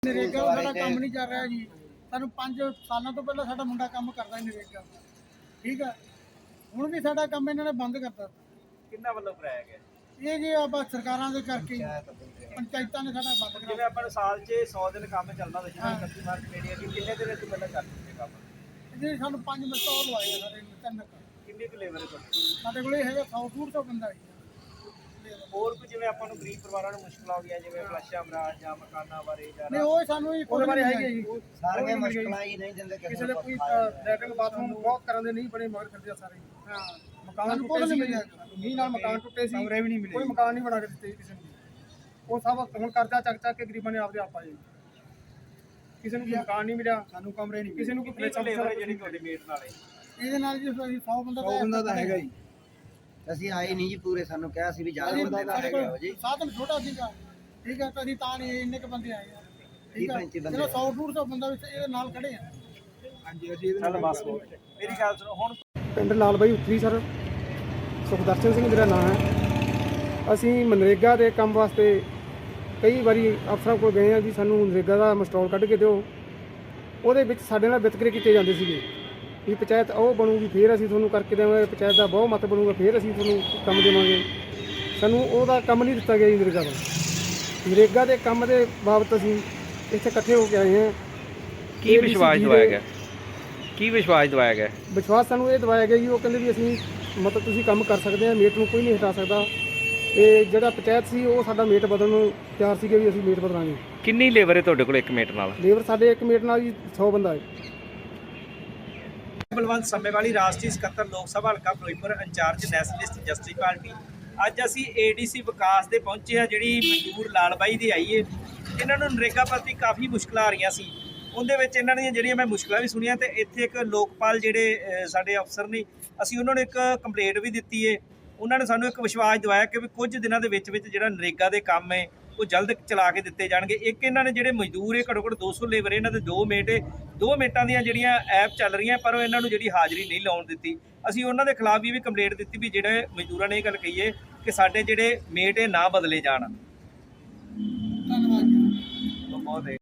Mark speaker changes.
Speaker 1: ਨਰੇਗਾ ਦਾ ਸਾਡਾ ਕੰਮ ਨਹੀਂ ਚੱਲ ਰਿਹਾ ਜੀ। ਸਾਨੂੰ 5 ਸਾਲਾਂ ਤੋਂ ਪਹਿਲਾਂ ਸਾਡਾ ਮੁੰਡਾ ਕੰਮ ਕਰਦਾ ਸੀ ਨਰੇਗਾ ਦਾ, ਠੀਕ ਹੈ। ਹੁਣ ਵੀ ਸਾਡਾ ਕੰਮ ਇਹਨਾਂ ਨੇ ਬੰਦ ਕਰਤਾ।
Speaker 2: ਕਿੰਨਾ ਵੱਲੋਂ ਕਰਾਇਆ ਗਿਆ?
Speaker 1: ਇਹ ਜੀ ਆਪਾਂ ਸਰਕਾਰਾਂ ਦੇ ਕਰਕੇ ਪੰਚਾਇਤਾਂ ਨੇ ਸਾਡਾ ਬੰਦ
Speaker 2: ਜਿਵੇਂ
Speaker 1: ਕਰਾ।
Speaker 2: ਆਪਾਂ ਨੂੰ ਸਾਲ 'ਚ 100 ਦਿਨ ਕੰਮ ਚੱਲਦਾ ਹੁੰਦਾ, ਜਿਵੇਂ 31 ਮਾਰਚ ਮੇਰੀ ਕਿ ਕਿੰਨੇ ਦਿਨ ਤੋਂ ਪਹਿਲਾਂ ਚੱਲ ਚੁੱਕੇ ਕੰਮ?
Speaker 1: ਜੀ ਸਾਨੂੰ 5 ਮਸਟੋਲ ਲਵਾਏ ਆ ਸਾਰੇ ਤਿੰਨ।
Speaker 2: ਕਿੰਨੀ ਕੁ ਲੇਬਰ ਹੈ ਤੁਹਾਡੀ?
Speaker 1: ਸਾਡੇ ਕੋਲ ਇਹ ਹੈਗਾ 100 ਬੰਦਾ ਜੀ।
Speaker 2: ਹੋਰ ਕੋਈ ਜਿਵੇਂ ਆਪਾਂ ਨੂੰ ਗਰੀਬ ਪਰਿਵਾਰਾਂ ਨੂੰ ਮੁਸ਼ਕਲਾਂ ਆਉਂਦੀਆਂ, ਜਿਵੇਂ ਫਲਸ਼ਾਂ ਮਰਾਜ ਜਾਂ ਮਕਾਨਾਂ ਬਾਰੇ ਜਾਂ
Speaker 1: ਨਹੀਂ ਉਹ ਸਾਨੂੰ ਹੀ
Speaker 3: ਉਹਦੇ ਬਾਰੇ ਹੈਗੀ ਜੀ।
Speaker 4: ਸਾਰੀਆਂ ਮੁਸ਼ਕਲਾਂ ਹੀ ਨਹੀਂ ਦਿੰਦੇ
Speaker 3: ਕਿਸੇ ਦੇ ਕੋਈ ਲੈਟਰਿੰਗ ਬਾਥਰੂਮ ਬਹੁਤ ਕਰਨ ਦੇ ਨਹੀਂ ਬਣੇ, ਮਗਰ ਫਿਰਦੇ ਆ ਸਾਰੇ।
Speaker 1: ਹਾਂ
Speaker 3: ਮਕਾਨ ਟੁੱਟੇ ਸੀ, ਮੀਂਹ ਨਾਲ ਮਕਾਨ ਟੁੱਟੇ ਸੀ, ਕਮਰੇ ਵੀ ਨਹੀਂ ਮਿਲੇ, ਕੋਈ ਮਕਾਨ ਨਹੀਂ ਬਣਾ ਕੇ ਦਿੱਤੇ ਕਿਸੇ ਨੂੰ। ਉਹ ਸਭ ਹੁਣ ਕਰਜ਼ਾ ਚੱਕ ਕੇ ਗਰੀਬਾਂ ਨੇ ਆਪਦੇ ਆਪ ਪਾਏ। ਕਿਸੇ ਨੂੰ ਮਕਾਨ ਨਹੀਂ ਮਿਲਿਆ, ਸਾਨੂੰ ਕਮਰੇ ਨਹੀਂ, ਕਿਸੇ ਨੂੰ ਕੋਈ
Speaker 2: ਕਿੰਨੀ ਲੇਬਰ ਜਿਹੜੀ ਤੁਹਾਡੀ ਮੇਟ ਨਾਲ ਹੈ?
Speaker 1: ਇਹਦੇ ਨਾਲ ਜੀ ਅਸੀਂ 100 ਬੰਦਾ
Speaker 4: ਤਾਂ ਹੈਗਾ ਹੀ। ਅਸੀਂ ਆਏ ਨਹੀਂ ਜੀ ਪੂਰੇ, ਸਾਨੂੰ ਕਿਹਾ ਸੀ ਵੀ ਜ਼ਿਆਦਾ ਬੰਦੇ ਨਾ ਹੈਗੇ ਹੋ ਜੀ।
Speaker 1: ਸਾਧਨ ਛੋਟਾ ਸੀਗਾ, ਠੀਕ ਹੈ। ਤਾਂ ਅਸੀਂ ਤਾਂ ਨਹੀਂ ਇੰਨੇ ਕ ਬੰਦੇ ਆਏ ਆ, ਠੀਕ ਹੈ।
Speaker 4: 35 ਬੰਦੇ
Speaker 1: ਚਲੋ 100-150 ਬੰਦਾ ਵਿੱਚ ਇਹਦੇ ਨਾਲ ਖੜੇ ਆ।
Speaker 3: ਹਾਂਜੀ ਅਸੀਂ ਇਹਦੇ ਨਾਲ
Speaker 2: ਬਸ ਮੇਰੀ ਗੱਲ ਸੁਣੋ ਹੁਣ।
Speaker 3: ਪਿੰਡ ਲਾਲ ਬਾਈ ਉੱਤਰੀ ਸਰ, ਸੁਖਦਰਸ਼ਨ ਸਿੰਘ ਮੇਰਾ ਨਾਮ ਹੈ। ਅਸੀਂ ਮਨਰੇਗਾ ਦੇ ਕੰਮ ਵਾਸਤੇ ਕਈ ਵਾਰੀ ਅਫਸਰਾਂ ਕੋਲ ਗਏ ਆ ਵੀ ਸਾਨੂੰ ਨਰੇਗਾ ਦਾ ਮਸਟੋਲ ਕੱਢ ਕੇ ਦਿਓ। ਉਹਦੇ ਵਿੱਚ ਸਾਡੇ ਨਾਲ ਵਿਤਕਰੇ ਕੀਤੇ ਜਾਂਦੇ ਸੀਗੇ ਵੀ ਪੰਚਾਇਤ ਉਹ ਬਣੂਗੀ ਫਿਰ ਅਸੀਂ ਤੁਹਾਨੂੰ ਕਰਕੇ ਦੇਵਾਂਗੇ, ਪੰਚਾਇਤ ਦਾ ਬਹੁਤ ਮਤ ਬਣੂਗਾ ਫਿਰ ਅਸੀਂ ਤੁਹਾਨੂੰ ਕੰਮ ਦੇਵਾਂਗੇ। ਸਾਨੂੰ ਉਹਦਾ ਕੰਮ ਨਹੀਂ ਦਿੱਤਾ ਗਿਆ ਜੀ ਨਰੇਗਾ ਦਾ। ਨਰੇਗਾ ਦੇ ਕੰਮ ਦੇ ਬਾਬਤ ਅਸੀਂ ਇੱਥੇ ਇਕੱਠੇ ਹੋ ਕੇ ਆਏ ਹਾਂ।
Speaker 5: ਕੀ ਵਿਸ਼ਵਾਸ ਦਵਾਇਆ ਗਿਆ? ਕੀ ਵਿਸ਼ਵਾਸ ਦਵਾਇਆ ਗਿਆ?
Speaker 3: ਵਿਸ਼ਵਾਸ ਸਾਨੂੰ ਇਹ ਦਵਾਇਆ ਗਿਆ ਜੀ, ਉਹ ਕਹਿੰਦੇ ਵੀ ਅਸੀਂ ਮਤਲਬ ਤੁਸੀਂ ਕੰਮ ਕਰ ਸਕਦੇ ਆ, ਮੇਟ ਨੂੰ ਕੋਈ ਨਹੀਂ ਹਟਾ ਸਕਦਾ। ਤੇ ਜਿਹੜਾ ਪੰਚਾਇਤ ਸੀ ਉਹ ਸਾਡਾ ਮੇਟ ਬਦਲਣ ਨੂੰ ਤਿਆਰ ਸੀਗੇ ਵੀ ਅਸੀਂ ਮੇਟ ਬਦਲਾਂਗੇ।
Speaker 5: ਕਿੰਨੀ ਲੇਬਰ ਹੈ ਤੁਹਾਡੇ ਕੋਲ ਇੱਕ ਮਿੰਟ ਨਾਲ?
Speaker 3: ਲੇਬਰ ਸਾਡੇ ਇੱਕ ਮੇਟ ਨਾਲ ਜੀ 100 ਬੰਦਾ ਹੈ।
Speaker 2: ਬਲਵੰਤ ਸੰਮੇਵਾਲੀ ਰਾਸ਼ਟਰੀ ਸਕੱਤਰ ਲੋਕ ਸਭਾ ਹਲਕਾ Ferozepur, incharge nationalist justice party. ਅੱਜ ਅਸੀਂ ਏਡੀਸੀ ਵਿਕਾਸ ਦੇ ਪਹੁੰਚੇ ਆ, ਜਿਹੜੀ ਮਜ਼ਦੂਰ ਲਾਲ ਬਾਈ ਦੀ ਆਈ ਏ। ਇਹਨਾਂ ਨੂੰ ਨਰੇਗਾ ਪ੍ਰਤੀ ਕਾਫੀ ਮੁਸ਼ਕਲਾਂ ਆ ਰਹੀਆਂ ਸੀ। ਉਹਦੇ ਵਿੱਚ ਇਹਨਾਂ ਦੀਆਂ ਜਿਹੜੀਆਂ ਮੈਂ ਮੁਸ਼ਕਲਾਂ ਵੀ ਸੁਣੀਆਂ, ਤੇ ਇੱਥੇ ਇੱਕ ਲੋਕਪਾਲ ਜਿਹੜੇ ਸਾਡੇ ਅਫਸਰ ਨੇ, ਅਸੀਂ ਉਹਨਾਂ ਨੂੰ ਇੱਕ ਕੰਪਲੇਂਟ ਵੀ ਦਿੱਤੀ ਏ। ਉਹਨਾਂ ਨੇ ਸਾਨੂੰ ਇੱਕ ਵਿਸ਼ਵਾਸ ਦਿਵਾਇਆ ਕਿ ਵੀ ਕੁਝ ਦਿਨਾਂ ਦੇ ਵਿੱਚ ਜਿਹੜਾ ਨਰੇਗਾ ਦੇ ਕੰਮ ਹੈ ਉਹ ਜਲਦ ਚਲਾ ਕੇ ਦਿੱਤੇ ਜਾਣਗੇ। ਇੱਕ ਇਹਨਾਂ ਨੇ ਜਿਹੜੇ ਮਜ਼ਦੂਰ ਹੈ ਘੱਟੋ ਘੱਟ 200 ਲੇਬਰ, ਇਹਨਾਂ ਦੇ 2 ਮੇਟ ਹੈ। 2 ਮੇਟਾਂ ਦੀਆਂ ਜਿਹੜੀਆਂ ਐਪ ਚੱਲ ਰਹੀਆਂ, ਪਰ ਉਹ ਇਹਨਾਂ ਨੂੰ ਜਿਹੜੀ ਹਾਜ਼ਰੀ ਨਹੀਂ ਲਾਉਣ ਦਿੱਤੀ। ਅਸੀਂ ਉਹਨਾਂ ਦੇ ਖਿਲਾਫ ਵੀ ਕੰਪਲੇਂਟ ਦਿੱਤੀ ਵੀ ਜਿਹੜੇ ਮਜ਼ਦੂਰਾਂ ਨੇ ਇਹ ਗੱਲ ਕਹੀ ਹੈ ਕਿ ਸਾਡੇ ਜਿਹੜੇ ਮੇਟ ਹੈ ਨਾ ਬਦਲੇ ਜਾਣ।
Speaker 1: ਧੰਨਵਾਦ ਜੀ।
Speaker 2: ਬਹੁਤ